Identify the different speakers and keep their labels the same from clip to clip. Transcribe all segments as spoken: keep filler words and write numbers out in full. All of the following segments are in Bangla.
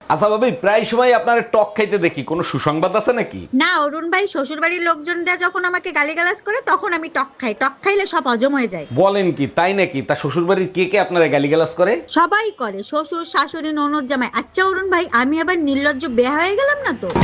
Speaker 1: আচ্ছা ভাবি, প্রায় সময় আপনার টক খাইতে দেখি, কোনো সুসংবাদ আছে নাকি?
Speaker 2: না অরুণ ভাই, শ্বশুর বাড়ির লোকজনরা যখন আমাকে গালিগালাজ করে তখন আমি টক খাই। টক খাইলে সব হজম হয়ে যায়।
Speaker 1: বলেন কি, তাই নাকি? তা শ্বশুর বাড়ির কে কে আপনারা গালিগালাজ করে?
Speaker 2: সবাই করে, শ্বশুর শাশুড়ি ননদ জামাই। আচ্ছা অরুণ ভাই, আমি আবার নির্লজ্জ বেয়া হয়ে গেলাম না তো?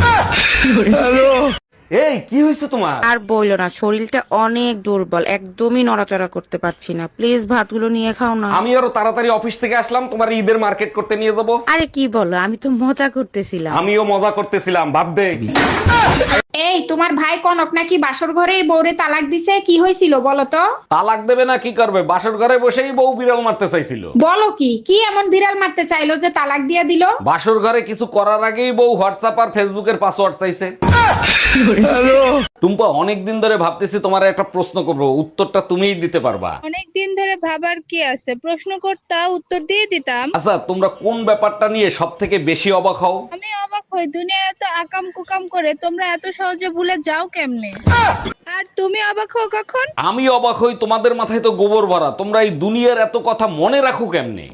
Speaker 1: এই কি হয়েছে তোমার?
Speaker 3: আর বইলো না, শরীরটা অনেক দুর্বল, একদমই নড়াচড়া করতে পারছি না। প্লিজ ভাতগুলো নিয়ে খাও না।
Speaker 1: আমি আরো তাড়াতাড়ি অফিস থেকে আসলাম, তোমার ঈদের মার্কেট করতে নিয়ে যাব।
Speaker 3: আরে কি বলো, আমি তো মজা করতেছিলাম।
Speaker 1: আমিও মজা করতেছিলাম, ভাব দে।
Speaker 4: এই তোমার ভাই কনক নাকি বাসর ঘরে বউরে তালাক দিছে, কি হয়েছিল বলো তো?
Speaker 1: তালাক দেবে না কি করবে, বাসর ঘরে বসেই বউ বিড়াল মারতে চাইছিল।
Speaker 4: বলো কি কি এমন বিড়াল মারতে চাইলো যে তালাক দিয়ে দিল?
Speaker 1: বাসর ঘরে কিছু করার আগেই বউ হোয়াটসঅ্যাপ আর ফেসবুকের পাসওয়ার্ড চাইছে। টুম্পা, অনেকদিন ধরে ভাবতেছি তোমার একটা প্রশ্ন করবো, উত্তরটা তুমিই দিতে পারবা।
Speaker 5: অনেক দিন ধরে ভাবার কি আছে, প্রশ্ন করতা উত্তর দিয়ে দিতাম।
Speaker 1: আচ্ছা, তোমরা কোন ব্যাপারটা নিয়ে সব থেকে বেশি অবাক হও?
Speaker 5: আমি অবাক হই, দুনিয়ার এত আকাম কুকাম করে তোমরা এত সহজে ভুলে যাও কেমনে? আর তুমি অবাক হও কখন?
Speaker 1: আমি অবাক হই, তোমাদের মাথায় তো গোবর ভরা, তোমরা এই দুনিয়ার এত কথা মনে রাখো কেমনে?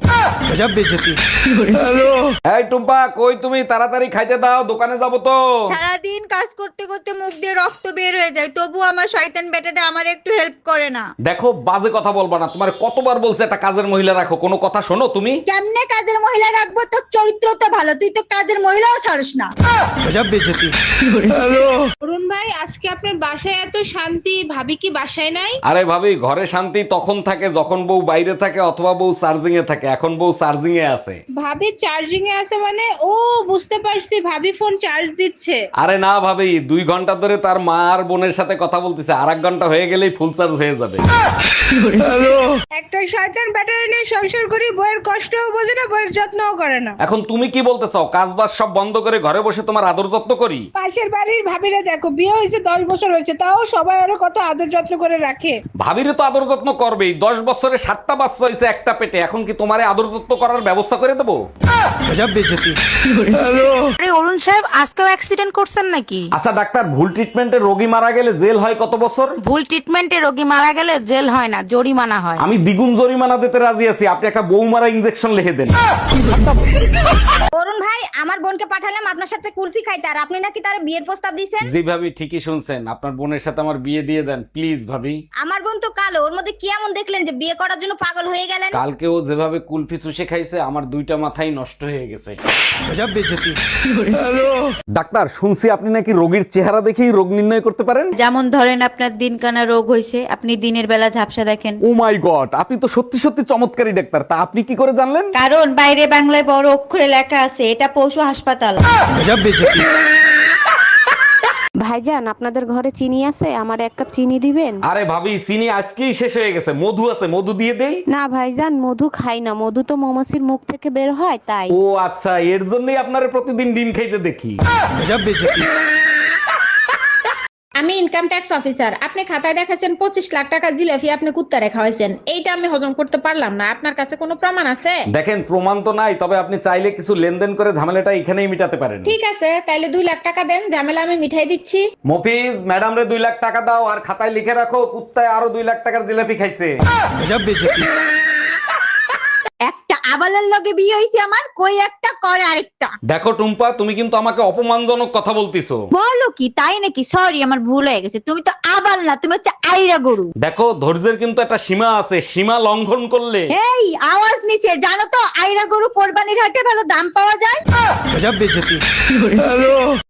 Speaker 1: এই টুম্পা, কই তুমি? তাড়াতাড়ি খাইতে দাও, দোকানে যাবো তো।
Speaker 2: সারাদিন কাজ করতে করতে মুখ দিয়ে রক্ত বের হয়ে যায়, তবু আমার শয়তান বেটাটা আমার একটু হেল্প করে না।
Speaker 1: দেখো, বাজে কথা বলবা না, তোমার কতবার বলছে একটা কাজের মহিলা রাখো, কোনো কথা শোনো তুমি?
Speaker 2: কেমনে কাজের মহিলা রাখবো? তোর চরিত্র তো ভালো, তুই তো কাজের মহিলাও ছাড়স না।
Speaker 5: অরুণ ভাই, আজকে আপনার বাসায় এত শান্তি, ভাবি কি বাসায় নাই?
Speaker 1: আরে ভাবি, ঘরে শান্তি তখন থাকে যখন বউ বাইরে থাকে অথবা বউ চার্জিং এ থাকে, এখন বউ চার্জিং এ আছে।
Speaker 5: ভাবি চার্জিং এ আছে মানে? ও বুঝতে পারছি, ভাবি ফোন চার্জ দিচ্ছে।
Speaker 1: আরে না ভাবি, দুই ঘন্টা ধরে তার মা আর বোনের সাথে কথা বলতেছে, আর এক ঘন্টা হয়ে গেলেই ফুল চার্জ হয়ে যাবে।
Speaker 5: একটা শয়তান ব্যাটারি নিয়ে সংসার করি, বইয়ের কষ্টও বোঝে না, বইয়ের যত্নও করে না।
Speaker 1: এখন তুমি কি বলতে চাও, কাজ বাজ সব বন্ধ করে ঘরে বসে তোমার আদর যত্ন করি?
Speaker 5: পাশের বাড়ির ভাবিরা দেখো, বিয়ে হয়েছে দশ বছর হয়েছে, তাও সবাই ওরা কত আদর যত্ন করে রাখে।
Speaker 1: ভাবিরে তো আদর যত্ন করবেই, দশ বছরে সাতটা বাচ্চা হয়েছে একটা পেটে, এখন কি তোমারে আদর যত্ন করার ব্যবস্থা করে দেবো?
Speaker 3: আরে অরুণ সাহেব, আজকেও অ্যাক্সিডেন্ট করছেন নাকি?
Speaker 1: আচ্ছা ডাক্তার, ভুল ট্রিটমেন্টে রোগী মারা গেলে জেল হয় কত বছর?
Speaker 3: ভুল ট্রিটমেন্টে রোগী মারা গেলে জেল হয় না, জরিমানা হয়।
Speaker 1: আমি দ্বিগুণ জরিমানা দিতে রাজি আছি, আপনি একটা বউ মারা ইনজেকশন লিখে দেন।
Speaker 2: অরুণ ভাই, আমার বোনকে পাঠালাম আপনার সাথে কুলফি খাইতে, আর আপনি নাকি তার বিয়ের প্রস্তাব দিয়েছেন।
Speaker 1: জি ভাবি, ঠিকই শুনছেন, আপনার বোনের সাথে আমার বিয়ে দিয়ে দেন প্লিজ ভাবি।
Speaker 2: আমার বোন তো কালো, ওর মধ্যে কি এমন দেখলেন যে বিয়ে করার জন্য পাগল হয়ে গেলেন?
Speaker 1: কালকে ও যেভাবে কুলফি চুষে খাইছে, আমার দুইটা মাথাই নষ্ট হয়ে গেছে। ডাক্তার, শুনছি আপনি নাকি রোগীর চেহারা দেখেই রোগ নির্ণয় করতে পারেন।
Speaker 6: যেমন ধরেন আপনার দিনকানা রোগ হয়েছে, আপনি দিনের বেলা ঝাপসা দেখেন।
Speaker 1: ও মাই গড, আপনি তো সত্যি সত্যি চমৎকারী ডাক্তার, তা আপনি কি করে জানলেন?
Speaker 6: কারণ বাইরে বাংলায় বড় অক্ষরে লেখা আছে, এটা পশু হাসপাতাল।
Speaker 7: ভাইজান, আপনাদের ঘরে চিনি আছে? আমার এক কাপ চিনি দিবেন?
Speaker 1: আরে ভাবি, চিনি আজকেই শেষ হয়ে গেছে, মধু আছে, মধু দিয়ে দেই।
Speaker 7: না ভাইজান, মধু খাই না, মধু তো মৌমাছির মুখ থেকে বের হয় তাই।
Speaker 1: ও আচ্ছা, এর জন্যই আপনারে প্রতিদিন ডিম খাইতে দেখি।
Speaker 4: আমি ইনকাম ট্যাক্স অফিসার, আপনি খাতায় দেখাছেন পঁচিশ লাখ টাকা জিলাপি আপনি কুত্তা রেখা হয়েছেন, এইটা আমি হজম করতে পারলাম না। আপনার কাছে কোনো প্রমাণ আছে?
Speaker 1: দেখেন, প্রমাণ তো নাই, তবে আপনি চাইলে কিছু লেনদেন করে ঝামেলাটা এখানেই মিটাতে পারেন।
Speaker 4: ঠিক আছে, তাইলে দুই লাখ টাকা দেন, ঝামেলা আমি মিঠাই দিচ্ছি।
Speaker 1: মফিজ, ম্যাডাম রে দুই লাখ টাকা দাও, আর খাতায় লিখে রাখো কুত্তায় আরো দুই লাখ টাকার জিলাপি খাইছে।
Speaker 2: একটা আবালের লগে বিয়ে হয়েছে আমার, কই একটা করে আরেকটা।
Speaker 1: দেখো টুম্পা, তুমি কিন্তু আমাকে অপমানজনক কথা বলতিছো।
Speaker 2: বলো কি, তাই নাকি? সরি, আমার ভুল হয়ে গেছে। তুমি তো আবাল না, তুমি হচ্ছে আইরা গরু।
Speaker 1: দেখো, ধৈর্যের কিন্তু একটা সীমা আছে, সীমা লঙ্ঘন করলে।
Speaker 2: এই আওয়াজ নিচে, জানো তো আইরা গরু কোরবানির হাটে ভালো দাম পাওয়া যায়।